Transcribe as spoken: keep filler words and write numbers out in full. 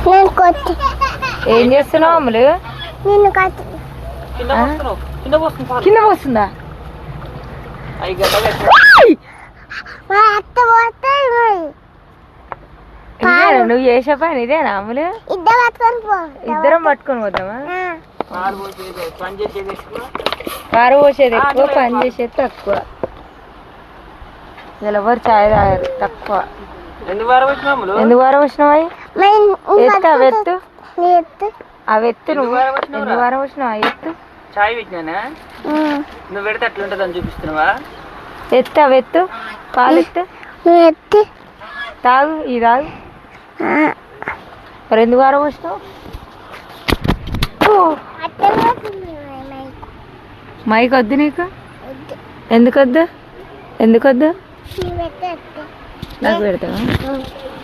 ఏం చేస్తున్నావు అమ్ములు? కింద పోస్తుందా? నువ్వు చేసే పని ఇదేనా అమ్ములు? ఇద్దరం పట్టుకొని పోతామా? కారు పోసేది ఎక్కువ, పని చేసేది తక్కువ. ఎవరు చాయ్ తాగారు తక్కువ. ఎందుకు వారం వచ్చినావు? ఎత్తు అవి ఎత్తు అవి ఎత్తు. నువ్వు ఎందుకు వారం వచ్చినావు? ఎత్తు చాయ్ పెట్టినా నువ్వు పెడితే అట్లుంటుంది అని చూపిస్తున్నావా? ఎత్తు అవి ఎత్తు, పాలు ఎత్తు, ఎత్తు తాగు. ఇది తాగు. మరి ఎందుకు వారం వచ్చినావు? మైక్ వద్దు నీకు? ఎందుకు వద్దు? ఎందుకు వద్దు? నాకు పెడతావా?